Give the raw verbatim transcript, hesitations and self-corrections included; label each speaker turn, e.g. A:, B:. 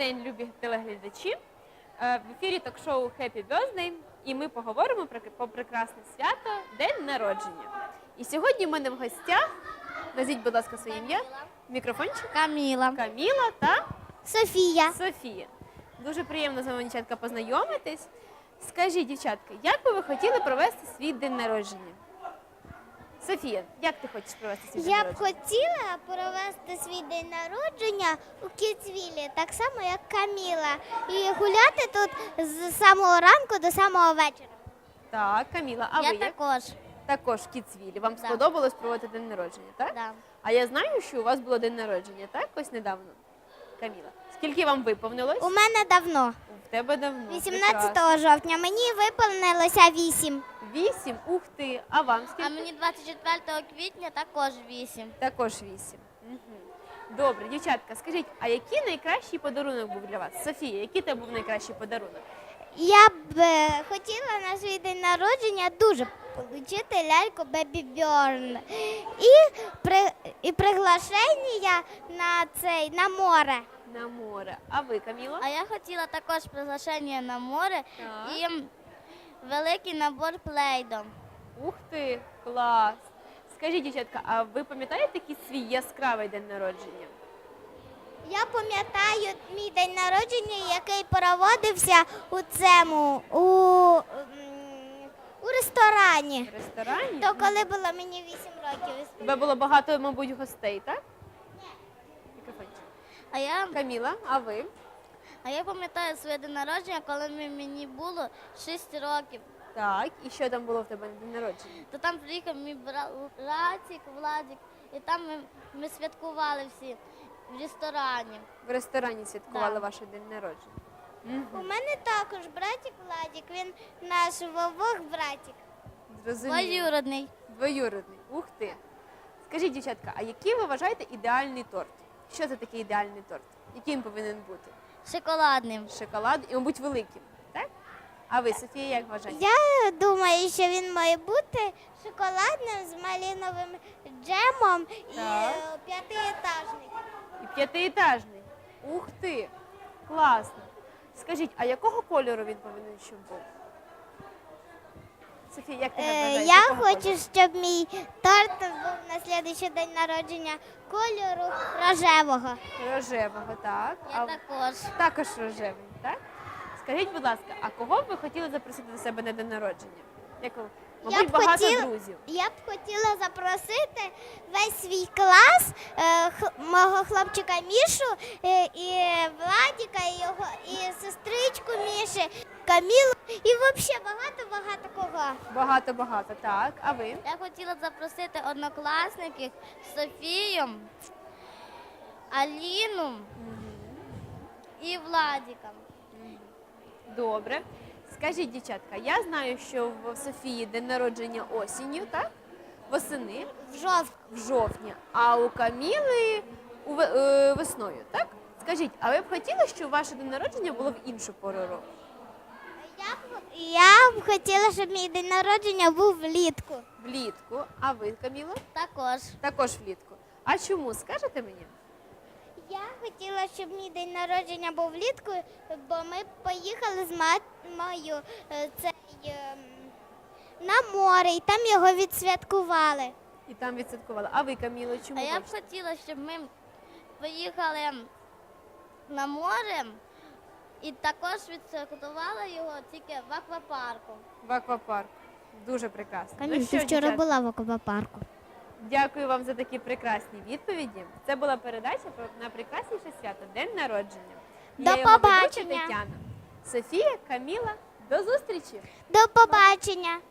A: день, любі телеглядачі. В ефірі ток-шоу Happy Birthday, і ми поговоримо про, про прекрасне свято – День народження. І сьогодні в мене в гостях, назвіть, будь ласка, своє ім'я, мікрофончик.
B: Каміла.
A: Каміла та
B: Софія.
A: Софія. Дуже приємно з вами, дівчатка, познайомитись. Скажіть, дівчатка, як би ви хотіли провести свій день народження? Софія, як ти хочеш провести свій день
B: Я б
A: народження?
B: хотіла провести свій день народження у Кіцвілі, так само, як Каміла. І гуляти тут з самого ранку до самого вечора.
A: Так, Каміла, а
B: Я
A: ви як?
B: також.
A: Також в Кіцвілі. Вам
B: Да.
A: сподобалось проводити день народження, так?
B: Да.
A: А я знаю, що у вас було день народження, так? Ось недавно. Каміла, скільки вам виповнилось?
B: У мене давно,
A: В тебе давно. Прекрасно.
B: вісімнадцятого жовтня, мені виповнилося вісім.
A: Вісім? Ух ти. А вам скільки?
C: А мені двадцять четвертого квітня також вісім.
A: Також вісім. Угу. Добре, дівчатка, скажіть, а який найкращий подарунок був для вас? Софія, який тебе був найкращий подарунок?
B: Я б е, хотіла на свій день народження дуже отримати ляльку Бебі Бьорн. І, при, і приглашення на цей, на море.
A: На море. А ви, Каміло?
C: А я хотіла також приглашення на море
A: Так.
C: і великий набор плейдом.
A: Ух ти, клас. Скажіть, дівчатка, а ви пам'ятаєте якийсь свій яскравий день народження?
B: Я пам'ятаю мій день народження, який проводився у цьому, у, м, у ресторані.
A: В ресторані?
B: То коли було мені вісім років.
A: У тебе було багато, мабуть, гостей, так? Мікрофончик.
C: А я,
A: Каміла, а ви?
C: а я пам'ятаю своє день народження, коли ми- мені було шість років.
A: Так, і що там було в тебе на день народження?
C: То там приїхав мій бра- братик, Владик, і там ми, ми святкували всі в ресторані.
A: В ресторані святкували
C: Да.
A: ваш день народження.
B: У мене також братик Владик, він наш вовок братик.
A: Зрозуміло.
C: Двоюродний.
A: Двоюродний. Ух ти. Скажіть, дівчатка, а який ви вважаєте ідеальний торт? Що це такий ідеальний торт? Який він повинен бути?
C: Шоколадним.
A: Шоколад і, мабуть, великим, так? А ви, Софія, як вважаєте?
B: Я думаю, що він має бути шоколадним з малиновим джемом і
A: Так.
B: е, п'ятиетажний.
A: І п'ятиетажний. Ух ти! Класно. Скажіть, а якого кольору він повинен щоб був? Софія, як ти
B: Е,
A: вважаєш?
B: я
A: якого
B: хочу,
A: кольору?
B: щоб мій торт був на слідуючий день народження кольору рожевого.
A: Рожевого, так.
C: Я
A: А
C: також.
A: також рожевий, так? Скажіть, будь ласка, а кого б ви хотіли запросити до себе на день народження? Якого? Мабуть,
B: б
A: багато
B: хотіла-
A: друзів.
B: Я б хотіла запросити весь свій клас, е, х- мого хлопчика Мішу, е, і Владіка, і його і сестричку Міші, Камілу, і взагалі багато-багато кого.
A: Багато-багато, так. А ви?
C: Я хотіла запросити однокласників Софію, Аліну і Владіка.
A: Добре. Скажіть, дівчатка, я знаю, що в Софії день народження осінню, так? Восени,
B: В жовтні.
A: в жовтні, а у Каміли у ве- е, весною, так? Скажіть, а ви б хотіли, щоб ваше день народження було в іншу пору року?
B: Я б, я б хотіла, щоб мій день народження був влітку.
A: Влітку, а ви, Каміло?
C: Також.
A: Також влітку. А чому, скажете мені?
B: Я хотіла, щоб мій день народження був влітку, бо ми поїхали з мамою е, цей, ем, на море, і там його відсвяткували.
A: І там відсвяткували. А ви, Каміло, чому?
C: А я б
A: хочете?
C: хотіла, щоб ми поїхали на море і також відсвяткували його тільки в аквапарку.
A: В аквапарк. Дуже прекрасно.
B: Каміль,
A: Ну
B: ти
A: що,
B: вчора
A: дівчата,
B: була в аквапарку.
A: Дякую вам за такі прекрасні відповіді. Це була передача про найпрекрасніше свято – День народження.
B: До
A: Я його ведуча
B: побачення.
A: Тетяна. Софія, Каміла, до зустрічі!
B: До побачення!